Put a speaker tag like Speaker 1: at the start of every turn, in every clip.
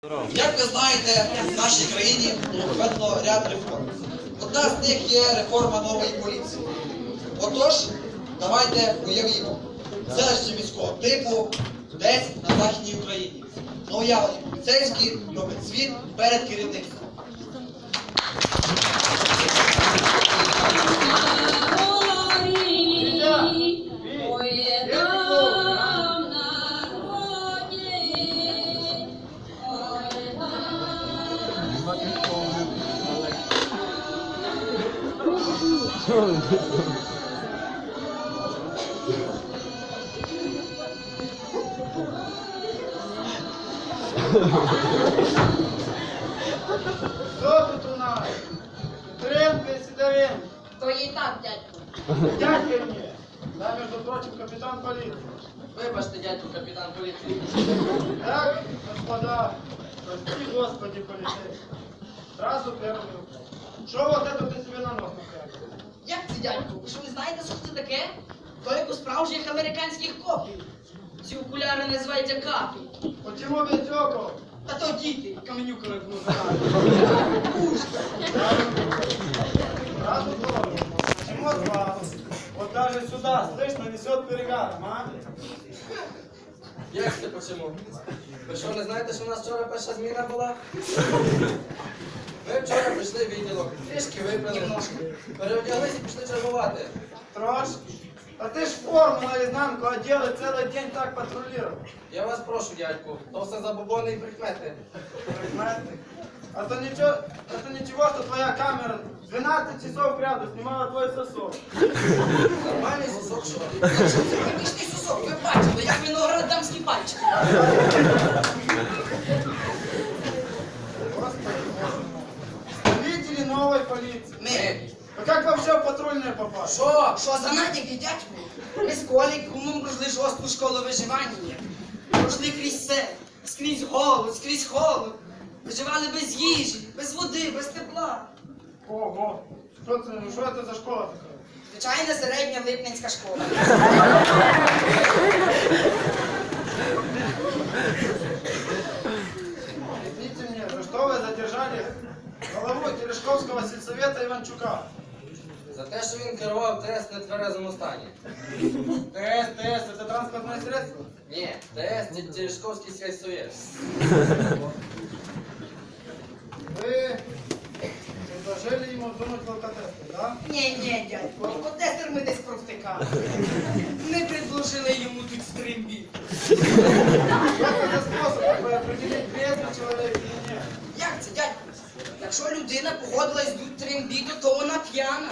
Speaker 1: Як ви знаєте, в нашій країні проведено ряд реформ. Одна з них є реформа нової поліції. Отож, давайте уявімо, селище міського типу десь на Західній Україні. Новоявлені поліцейські роблять звіт перед керівництвом.
Speaker 2: Що тут у нас? Туренко і Сидоренко.
Speaker 3: То і так, дядько.
Speaker 2: Дядька мені. Да, между прочим, капітан поліції.
Speaker 3: Вибачте, дядько, капітан поліції.
Speaker 2: Так, господа, прости, господи, полицейский. Сразу первый вопрос. Что вот это ты себе на нос напрягал?
Speaker 3: Як це, дядько? Ви що не знаєте, що це таке? То як у справжніх американських копів. Ці окуляри називаються капі.
Speaker 2: Почему без окол?
Speaker 3: Та то діти, каменюками в ногах.
Speaker 2: Сразу тоже. Почему от вас? Вот даже сюда, слышно, несет перегаром, а?
Speaker 4: Як це почему? Ви що, не знаєте, що у нас вчора перша зміна була? Ми вчора прийшли в відділок, трішки випили, переодяглися і пішли чергувати.
Speaker 2: Трошки. А ты ж форму наизнанку одел и целый день так патрулировал.
Speaker 4: Я вас прошу, дядьку, то все забобони і прикмети.
Speaker 2: Прагматик. А то ничего, что твоя камера 12 часов кряду снимала твой сосок.
Speaker 4: Нормальний сосок, що?
Speaker 3: Це примішний сусок, ви бачили, як виноград дамські пальчики.
Speaker 2: Господи, боже мой. Представители новой полиции.
Speaker 3: Ми.
Speaker 2: А как вообще в патрульные попали?
Speaker 3: Що за натяки, дядьку? Ми з Коліком пройшли жорстку школу виживання. Пройшли крізь все, скрізь голод, скрізь холод. Виживали без їжі, без води, без тепла.
Speaker 2: Ого. Что это за школа такая?
Speaker 3: Звичайна середня липненська школа.
Speaker 2: Объясните мне, за что вы задержали главу Терешковского сельсовета Иванчука?
Speaker 4: За те, що він керував ТС в нетверезому стані.
Speaker 2: ТС, это транспортное средство?
Speaker 4: Ні, ТС – Терешковський сільсовет.
Speaker 2: Вы предложили ему дунуть в алкотестер, да?
Speaker 3: Ні, дядько, алкотестер ми десь провтикали. Ми предложили йому тут стримбі.
Speaker 2: Что это за способ такой определить, трезвый человек или нет?
Speaker 3: Як це, дядько? Якщо людина погодилась дуть трембіту, то вона п'яна.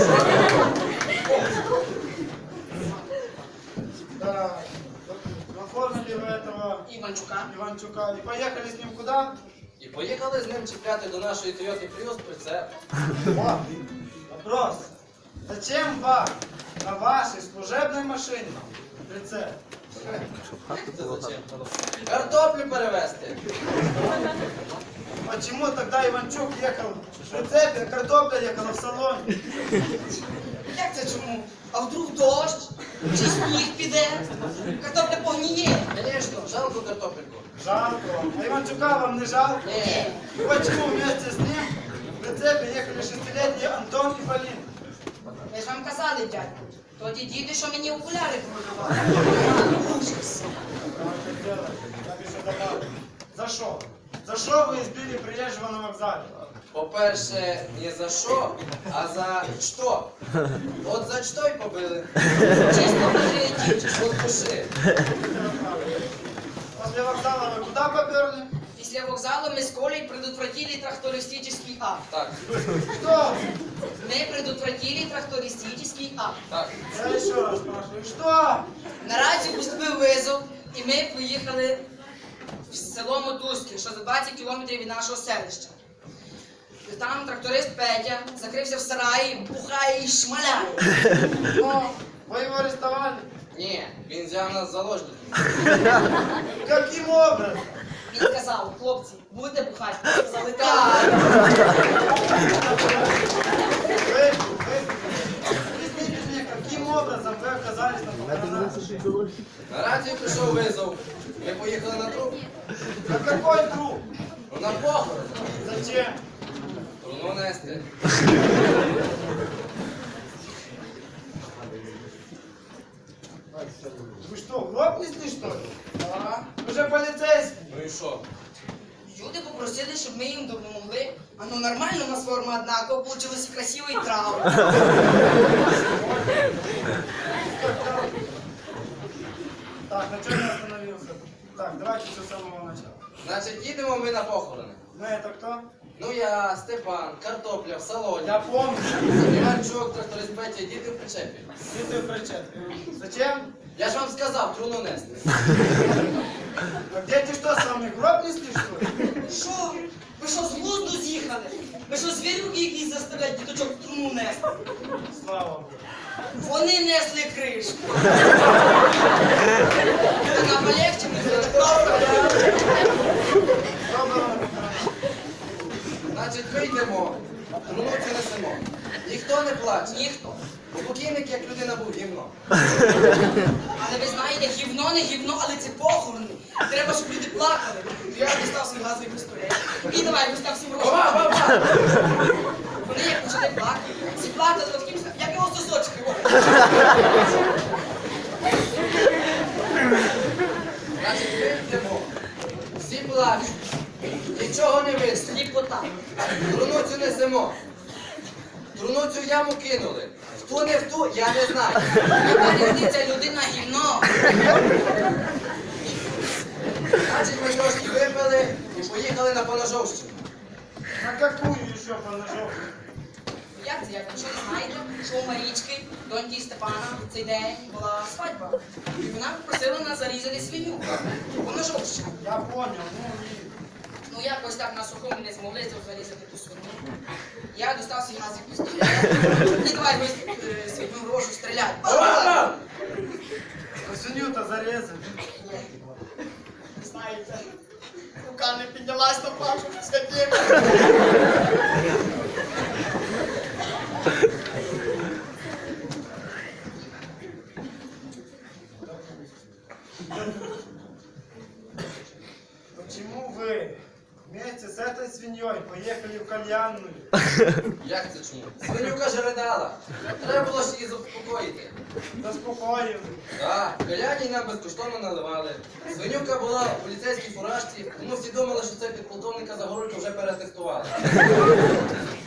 Speaker 2: Да. Оформили вы этого
Speaker 3: Іванчука.
Speaker 2: Иванчука и поехали с ним куда?
Speaker 4: І поїхали з ним чіпляти до нашої Toyota Prius прицеп.
Speaker 2: О, вопрос. Зачем вам на вашей служебной машине прицеп?
Speaker 4: Це зачем? Картоплю перевезти.
Speaker 2: Почему тогда Иванчук ехал в прицепе, а картопля ехала в салоне?
Speaker 3: Як це чому? А вдруг дощ? Чи сніг піде? Картопля погніє.
Speaker 4: Звісно, жалко картопельку.
Speaker 2: Жалко. А Иванчука вам не жалко?
Speaker 4: Ні.
Speaker 2: Почему вместе с ним в прицепе ехали 6-летние Антон и Полин?
Speaker 3: Ви ж вам казали, дядько. Тоді діти, що мені окуляри продавали. Ужас.
Speaker 2: Правильно делали. Я бы еще добавил. За что? За что вы избили приезжего на вокзале?
Speaker 4: По-перше, не за що, а за що. От за що й побили.
Speaker 3: Чисто патріотично.
Speaker 4: От душі.
Speaker 2: После вокзала вы куда поперли?
Speaker 3: Після вокзалу ми з Колей предотвратили трактористический акт.
Speaker 4: Так,
Speaker 2: Что?
Speaker 3: Мы предотвратили трактористический акт.
Speaker 4: так.
Speaker 2: Я еще раз спрашиваю. Что?
Speaker 3: Наразі поступив визов, і ми поїхали в село Мотузки, що за 20 кілометрів від нашого селища. І там тракторист Петя закрився в сараї, бухає і шмаляє.
Speaker 2: О, вы его арестовали?
Speaker 4: Ні, він взяв нас в заложники.
Speaker 2: Каким образом?
Speaker 3: Він сказав: хлопці, будете бухати? Ми сказали, так.
Speaker 2: Объясните мне, каким образом вы оказались на похоронах?
Speaker 4: На рацію прийшов визов. Ми поїхали на труп.
Speaker 2: На какой труп?
Speaker 4: На похорон.
Speaker 2: Зачем?
Speaker 4: Труну нести.
Speaker 2: Вы что, в гроб несли, что ли?
Speaker 3: Ага.
Speaker 2: Вы же полицейский.
Speaker 4: Ну і що?
Speaker 3: Люди попросили, щоб ми їм допомогли. А ну нормально, у нас форма однакова, получилось и красиво, и траур.
Speaker 2: Так, на чем я остановился? Так, давайте все с самого начала.
Speaker 4: Значить, їдемо ми на похорони.
Speaker 2: Мы это кто?
Speaker 4: Ну я, Степан, картопля в салоні.
Speaker 2: Я помню.
Speaker 4: Іванчук, тракторист Петя, діти в причепі.
Speaker 2: Ты в причет. Зачем?
Speaker 4: Я ж вам сказав, труну нести.
Speaker 2: А дети что, сами в гроб несли, что ли?
Speaker 3: Що? Ви що, з глузду з'їхали? Ви що, звірюки якісь заставляють діточок в труну нести?
Speaker 2: Слава Богу.
Speaker 3: Вони несли кришку. Вона полегче, ми так
Speaker 2: Доброго.
Speaker 4: Значить, вийдемо, труну цю несемо. Ніхто не плаче.
Speaker 3: Ніхто.
Speaker 4: Покійник, як людина, був гівно.
Speaker 3: Але ви знаєте, гівно не гівно, але це похорони. Треба, щоб люди плакали. Я дістав свій газовий пістолет. І давай, вистав всім
Speaker 4: Баба,
Speaker 3: рожок.
Speaker 4: баба!
Speaker 3: Вони як почали плакати. Всі плакали, от таким, як його сосочки.
Speaker 4: Значить, вийдемо. Всі плачуть. Нічого не видно.
Speaker 3: Сліпота.
Speaker 4: Труну цю несемо. Труну цю яму кинули. В ту не в ту, я не знаю.
Speaker 3: Яка різниця, людина гівно.
Speaker 4: Значить, ми трошки випили і поїхали на Поножовщину.
Speaker 2: На какую еще поножовку?
Speaker 3: Як це, як ви що не знаєте, що у Марічки, доньки Степана, в цей день була свадьба. І вона попросила нас зарізати свиню. Вона жовтщина.
Speaker 2: Я понял, ну и...
Speaker 3: Ну якось так на сухому не змогли зарізати ту свиню. Я достав свій газовий пістолет. І давай ви свиню рожу стріляй.
Speaker 4: Баба!
Speaker 2: А свинью-то зарезали.
Speaker 3: Знаєте, рука не піднялась на пашу, скотина.
Speaker 2: Почему вы вместе с этой свиньей поехали в кальянную?
Speaker 4: Як це чому? Свинюка ж ридала. Треба було ж її заспокоїти.
Speaker 2: Заспокоїли.
Speaker 4: Так, каляні нам безкоштовно наливали. Свинюка була в поліцейській фуражці, тому всі думали, що це підполковника Загорулька вже перетестували.
Speaker 2: Господи,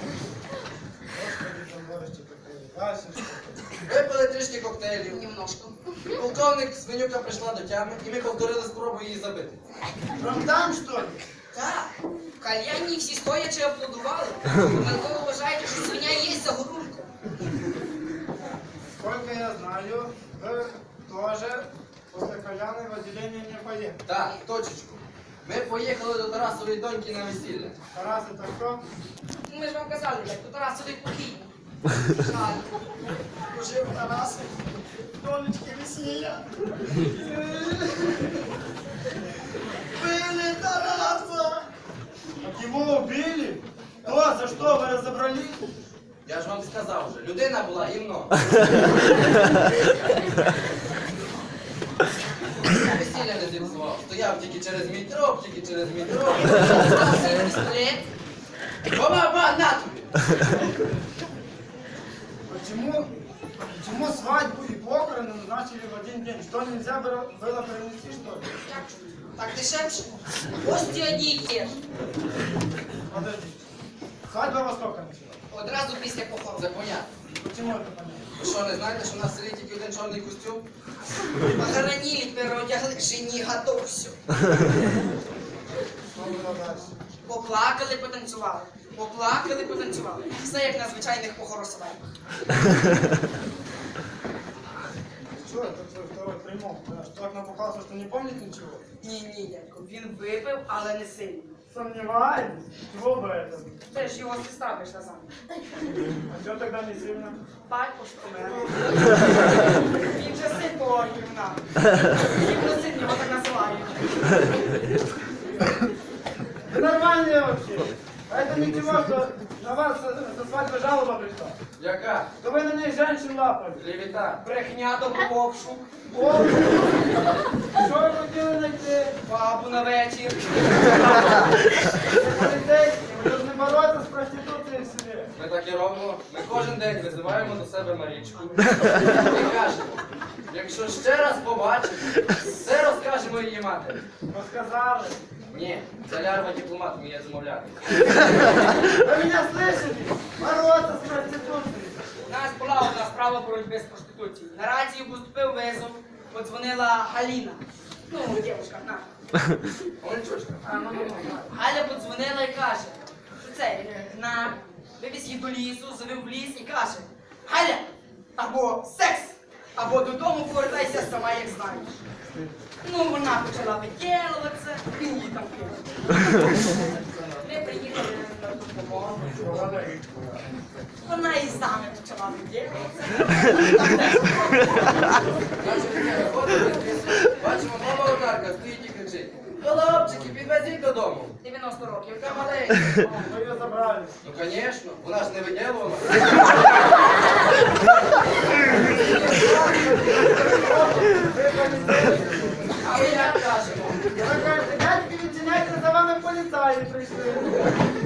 Speaker 2: поморочи какой. Дальше что?
Speaker 4: Випили трішки коктейлів.
Speaker 3: Немножко.
Speaker 4: Полковник свинюка прийшла до тями, і ми повторили спробу її забити.
Speaker 2: Прям там, что ли?
Speaker 3: Так, в кальянні всі стоячи аплодували. Ви вважаєте, що свиня є Загорулько.
Speaker 2: Сколько я знаю, вы тоже после кальяны в отделение не поехали.
Speaker 4: Так, точечку. Ми поїхали до Тарасової доньки на весілля.
Speaker 2: Тарас, это кто?
Speaker 3: Ми ж вам казали, як то Тарасовий покійний. Жаль. Пожив Тарас. Донечки весілля. Били Тараса.
Speaker 2: Так его убили? Кто? За что? Вы разобрались?
Speaker 4: Я ж вам сказав вже, людина була гімно. Весілля не зіпсував. Стояв тільки через мій троп, тільки через мій троп.
Speaker 3: Стався пістолет.
Speaker 4: Ба, на тобі!
Speaker 2: Почему свадьбу и похороны назначили в один день? Что нельзя было перенести, что ли?
Speaker 3: Так дешевше. Гості одні й ті ж.
Speaker 2: Подождите. Свадьба во сколько началась?
Speaker 3: Одразу після похорону.
Speaker 4: Це понятно.
Speaker 2: Почему это понятно?
Speaker 4: Ви що, не знаєте, що в нас в селі тільки один чорний костюм?
Speaker 3: Похоронили, переодягли, жені готовся.
Speaker 2: Что было дальше?
Speaker 3: Поплакали, потанцювали. Поплакали, потанцювали. Все як на звичайних похоросуваннях.
Speaker 2: Что это твой второй примол? Да, что так напухался, что не помнит ничего?
Speaker 3: Ні, дядько, він випив, але не сильно.
Speaker 2: Сомневаюсь. Чего бы это?
Speaker 3: Це ж його сестра вийшла замуж.
Speaker 2: А что тогда не сильно?
Speaker 3: Батько ж помер. Він же син того гівна. Гівно син його так називають.
Speaker 2: Вы нормальные вообще. А это ничего, что на вас со свадьбы жалоба пришла.
Speaker 4: Яка?
Speaker 2: То вы на ней женщин лапали.
Speaker 4: Клевета.
Speaker 3: Брехня добру обшук.
Speaker 2: О, что вы хотели найти?
Speaker 3: Бабу на вечір.
Speaker 4: Тому ми кожен день визиваємо до себе Марічку і кажемо, якщо ще раз побачимо, все розкажемо її матері.
Speaker 2: Розказали.
Speaker 4: Ні, ця лярва дипломат вміє замовляти.
Speaker 2: Ви мене слышите? Бороться з проституцією.
Speaker 3: У нас була одна справа боротьби з проституцією. На рацію поступив визов, подзвонила Галіна. Ну, дівчинка, на.
Speaker 4: Ольчушка.
Speaker 3: Галя подзвонила і каже, що це, вивіз її до лісу, завів в ліс і каже, Галя, або секс, або додому повертайся сама, як знаєш. Ну, вона почала виділуватися, він її там кинув. Ми приїхали на допомогу. Вона і саме почала виділуватися.
Speaker 4: Бачимо, мама одарка стоїть і кричить. Хлопчики, підвезіть додому.
Speaker 3: 90 років.
Speaker 4: Яка маленька.
Speaker 2: Ви її забрали.
Speaker 4: Ну, звісно, вона ж не виділувала.
Speaker 3: А ви як кажемо?
Speaker 2: Ви кажете, дядьки, відчиняйте, за вами поліцаї прийшли.